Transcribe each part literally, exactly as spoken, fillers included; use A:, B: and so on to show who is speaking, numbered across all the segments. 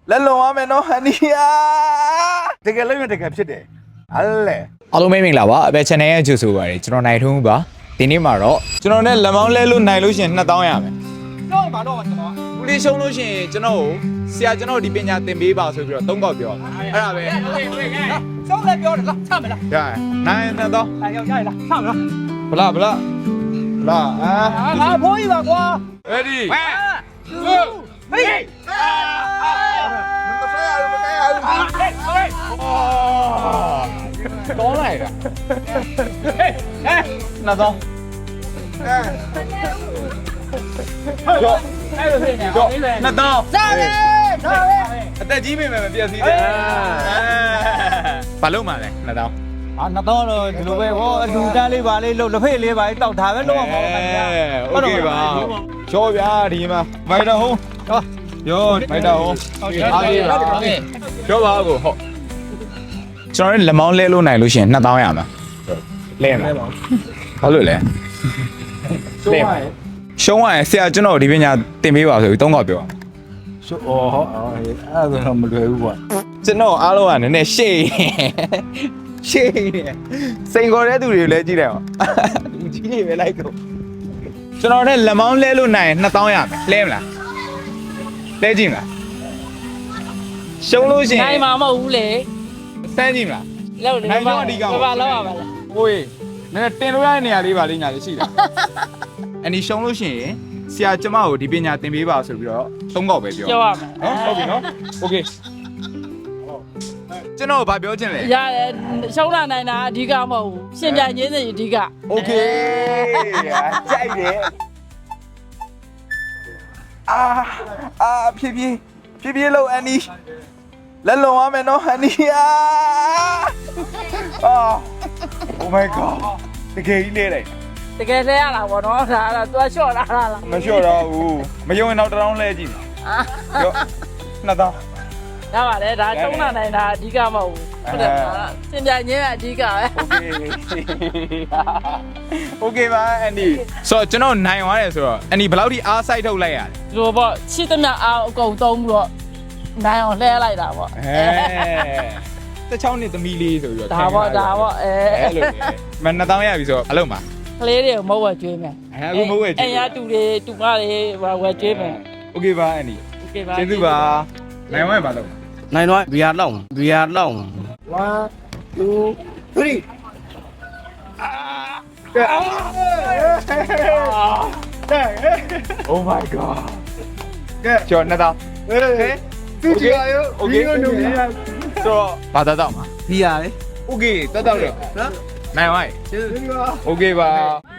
A: လက်လွန်ရမယ်နော်ဟန်နီယာတကယ်လို့ရတကယ်ဖြစ်တယ်အဲ့လေ
B: အားလုံးမင်္ဂလာပါအပဲ channel ရဲ့ကြိုဆိုပါရစေကျွန်တော်နိုင်ထုံးပါဒီနေ့မှာတော့ကျွန်တော်နဲ့လက်မောင်းလဲလို့နိုင်လို့ရှိရင်နှစ်သောင်းရမယ်တော့ပါတော့ကျွန်တော်ဘူးလေးရှုံးလို့ရှိရင်ကျွန်တော်ကိုဆရာကျွန်တော်ဒီပညာသင်ပေးပါဆိုပြီးတော့သုံးကောက်ပြောအဲ့ဒါပဲရှုံးလဲပြောတယ်လားချမလားရနိုင်နှစ်သောင်းနိုင်ရောက်ရလားချမလားဗလားဗလားဗလားအာငါဖိုးကြီးပါကွာ ready two three 多来的，哎哎，那走，哎，走，走，那走，上来，上来，带几妹妹们别死的，哎，把路嘛嘞，那走，
C: 啊，那到了，这路呗，我路单里吧哩，路路费里吧，到台湾路嘛，
B: 哎，OK 吧，小边地嘛，买到红，啊，有买到红，阿弟啦，小把个好。ကျွန်တော်လက်မောင်းလဲလို့နိုင်လို့ရှိရင်နှစ်သောင်းရမှာလဲမှာဘာလို့လဲလဲမှာရှုံးရရင်ဆရာကျွန်တော်ဒီပညာသင်ပေးပါဆိုပြီးသုံးခေါက်ပြော
C: ရှုအော်ဟောအဲ့ဒါတော့မလွယ်ဘူးကွာ
B: ကျွန်တော်အားလုံးကနည်းနည်းရှေ့ရှေ့နေစိန်ခေါ်တဲ့သူတွေကိုလည်းကြည့်တယ်ဟောလူကြီးတွေပဲလိုက်တော့ကျွန်တော်နဲ့လက်မောင်းလဲလို့နိုင်ရင်နှစ်သောင်းရမယ်လဲမလားလဲကြည့်မလားရှုံးလို့ရှိရင်
D: နိုင်မှာမဟုတ်ဘူးလေ
B: စမ်းကြည့်မလား
D: လောက်တယ်
B: နိုင်တော့အဓိက
D: ဘာဘာလောက်ရပါလဲ
B: ဟိုးနည်းတင်လို့ရတဲ့နေရာလေးပါလေးညာလေးရှိတာအနီရှုံးလို့ရှိရင်ဆရာကျမကိုဒီပညာသင်ပေးပါဆိုပြီးတော့သုံးခေါက်ပဲပြော
D: ပြောရမယ်
B: နော်ဟုတ်ပြီနော်โอเคကျွန်တော်ဘာပြောချင်လဲ
D: ရတယ်ရှုံးလာနိုင်တာအဓိကမဟုတ်ဘူးရှင်ပြညင်းစီအဓိက
B: โอเคကြိုက်တယ်အာအာဖြည်းဖြည်းဖြည်းဖြည်းလို့အနီလက်လွန်ရမယ်နော်ဟန်နီယာအာ Oh my god တကယ်ကြီးလေးလိုက်
D: တကယ်လဲရတာပေါ့နော်ဒါကတော့သူကလျှော့လာတာလား
B: မလျှော့တော့ဘူးမယုံရင်တော့တစ်တောင်းလဲကြည့်ပြောနှစ်တောင်း
D: ရပါတယ်ဒါရှုံးလာနိုင်တာအဓိကမဟုတ်ဘူးဟုတ်တယ်ရှင်ပြညင်းကအဓိကပဲ
B: โอเคပါအန်ဒီဆိုတော့ကျွန်တော်နိုင်သွားတယ်ဆိုတော့အန်ဒီဘယ်လောက်ထိအားစိုက်ထုတ်လိုက်ရလဲ
D: ဒီလိုပေါ့ချစ်သမျှအားအကုန်သုံးပြီးတော့နိုင်အောင်လှဲလိုက်တာပေါ့
B: အဲတစ်ချောင်းနဲ့သမီးလေးဆိုပြီးတော့
D: ဒါပေါ့ဒါပေါ့အဲ
B: အဲ့လိုမနှစ်တောင်းရပြီဆိုတော့အလုံးပါ
D: ကလေးတွေကိုမဟုတ်ဝဲကျွေးမယ်
B: အဲအခုမဟုတ်ရဲ့ကြ
D: အ
B: ည့်
D: င်ရတူတွေတူမတွေဝဲကျွေးမယ်
B: โอเคပါအန်ဒီ
D: โอเคပါ
B: ကျေးဇူးပါနိုင်ဝင်ပါတော့
C: နိုင်တော့ဘီယာလောက်ဘီယာလောက်
A: one two three
B: Oh my god ကဲကျော်နှစ်တောင်း
A: ဟေးသူကြည့်ရရော
B: โอเคဆိုတော့ဘာသာတော့မှာ
C: ဘီယာလေ
B: โอเคတက်တော့လို့နော်နိုင်ဝိုင်း
A: ကျေးဇူးပါ
B: โอเคပါ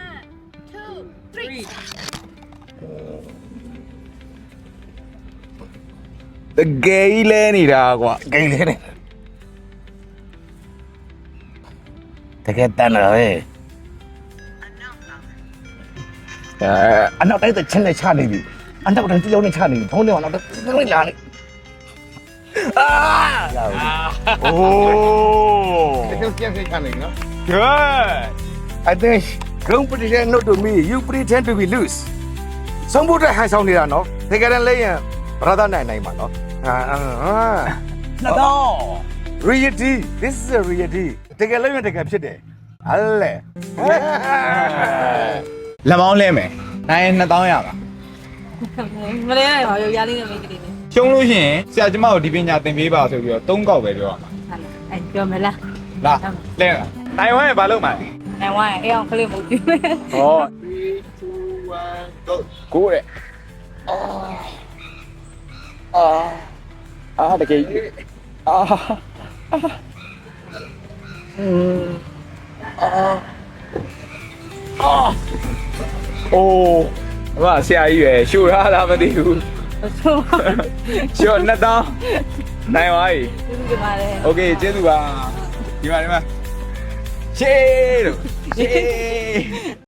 B: တကယ်ကြီးလဲနေတာကွာ
A: ဂိမ်းလေးနဲ့တကယ်တန်တယ်ဟဲ့အဲအနောက်တိုင်းတချင်းနဲ့ချနေပြီအနောက်တိုင်းတယောက်နဲ့ချနေပြီဖုန်းထဲမှာနောက်တိုင်းလာနေအာโอ้
C: ပြန်ပြန်ချနေနော်
B: good
A: I think don't pretend not to me you pretend to be loose ဆုံးဖို့အတွက်ဟန်ဆောင်နေတာနော်တကယ်တမ်းလဲရင်ဘရသာနိုင်နိုင်ပါနော်အာအာ
B: နှစ်တော့
A: reality this is a reality တကယ်လို့ရတကယ်ဖြစ်တယ်အဲ့လေ
B: လက်မောင်းလဲမယ်နိုင်နှစ်တောင်းရပါ
D: မလဲနိုင်ပါဘူးရလေးနဲ့မိတ်ကလေးနဲ့
B: ရှုံးလို့ရှိရင်ဆရာကျမကိုဒီပညာသင်ပေးပါဆိုပြီးတော့သုံးကောက်ပဲပြောရမှာ
D: အဲ့ပြောမလား
B: လာလဲလားနိုင်ဝိုင်းဘာလုပ်မှာလဲ
D: နိုင်ဝိုင်းအဲ့အောင်ကလေးမဟုတ်ဘူး
B: ဟောthree two one go ကိုတဲ့အာအာအာတကယ်အာอืมအာအာအိုးအမဆရာကြီးရယ်ရှို့ရတာမသိဘူး
D: ဆို
B: ရှို့နှစ်တောင်းနိုင်ပါပြီ
D: ဒီမှာလေ
B: โอเคကျေးဇူးပါဒီမှာဒီမှာရှေးလို့ရှေး